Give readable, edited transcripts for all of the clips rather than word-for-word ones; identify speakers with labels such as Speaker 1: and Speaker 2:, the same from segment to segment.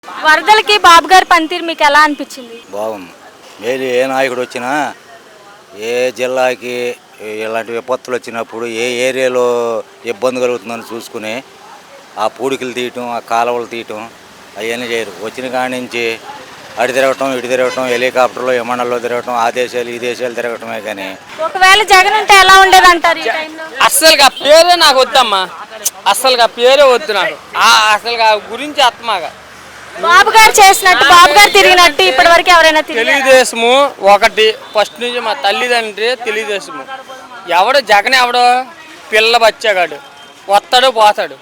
Speaker 1: వరదలకి బాబు గారి పనితీరు మీకు ఎలా అనిపించింది?
Speaker 2: బాగుంది. ఏది ఏ నాయకుడు వచ్చినా ఏ జిల్లాకి ఇలాంటి విపత్తులు వచ్చినప్పుడు ఏ ఏరియాలో ఇబ్బంది కలుగుతుందని చూసుకుని ఆ పూడికలు తీయటం, ఆ కాలువలు తీయటం అవన్నీ చేయరు. వచ్చిన కాడి నుంచి అటు తిరగటం, ఇటు తిరగటం, హెలికాప్టర్లో విమానాల్లో తిరగటం, ఆ దేశాలు ఈ దేశాలు తిరగటమే కానీ.
Speaker 1: ఒకవేళ జగన్ ఉంటే ఎలా ఉండేది అంటారు ఈ టైంలో?
Speaker 3: అస్సలుగా పేరే నాకు వద్దమ్మా, అస్సలుగా పేరే వద్దు నాకు. అసలుగా గురించి ఆత్మగా
Speaker 1: బాబు గారు చేసినట్టు, బాబు గారు తిరిగినట్టు ఇప్పటి వరకు ఎవరైనా తిరిగారా?
Speaker 3: తెలుగుదేశము ఒకటి ఫస్ట్ నుంచి మా తల్లిదండ్రి తెలుగుదేశము. ఎవడు జగన్ ఎవడో పిల్ల బచ్చాగాడు, వస్తాడు పోతాడు.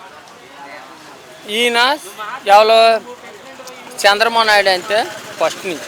Speaker 3: ఈయన ఎవరో చంద్రబాబు నాయుడు అంటే ఫస్ట్ నుంచి.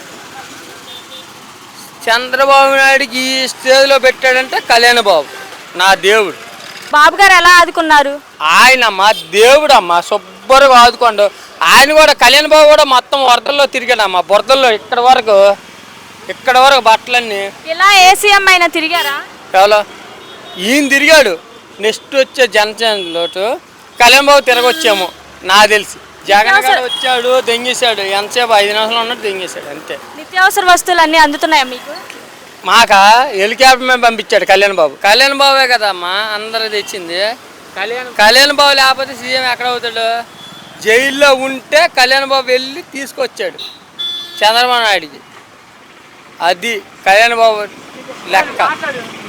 Speaker 3: చంద్రబాబు నాయుడికి ఈ స్టేజ్లో పెట్టాడంటే కళ్యాణ్ బాబు నా దేవుడు.
Speaker 1: బాబు గారు ఎలా ఆదుకున్నారు?
Speaker 3: ఆయన మా దేవుడు అమ్మా, శుభ్రంగా ఆదుకోండు. ఆయన కూడా కళ్యాణ్ బాబు కూడా మొత్తం వరదల్లో తిరిగాడమ్మా, బురదల్లో ఇక్కడ వరకు బట్టలన్నీ.
Speaker 1: ఇలా ఏ సీఎం అయినా తిరిగారా?
Speaker 3: ఎవరో ఈయన తిరిగాడు. నెక్స్ట్ వచ్చే జనసేనలోటు కళ్యాణ్ బాబు తిరగొచ్చాము నాకు తెలిసి. జగన్ గారు వచ్చాడు దెంగేశాడు, ఎంతసేపు 5 నిమిషాలు ఉన్నట్టు దెంగేశాడు అంతే.
Speaker 1: నిత్యావసర వస్తువులు అన్నీ అందుతున్నాయా మీకు?
Speaker 3: మాకా హెలికాప్టర్ మీద పంపించాడు కళ్యాణ్ బాబు. కళ్యాణ్ బాబే కదమ్మా అందరూ తెచ్చింది. కళ్యాణ్ బాబు లేకపోతే సీఎం ఎక్కడ అవుతాడు? జైల్లో ఉంటే కళ్యాణ్ బాబు వెళ్ళి తీసుకొచ్చాడు చంద్రబాబు నాయుడికి. అది కళ్యాణ్ బాబు లెక్క.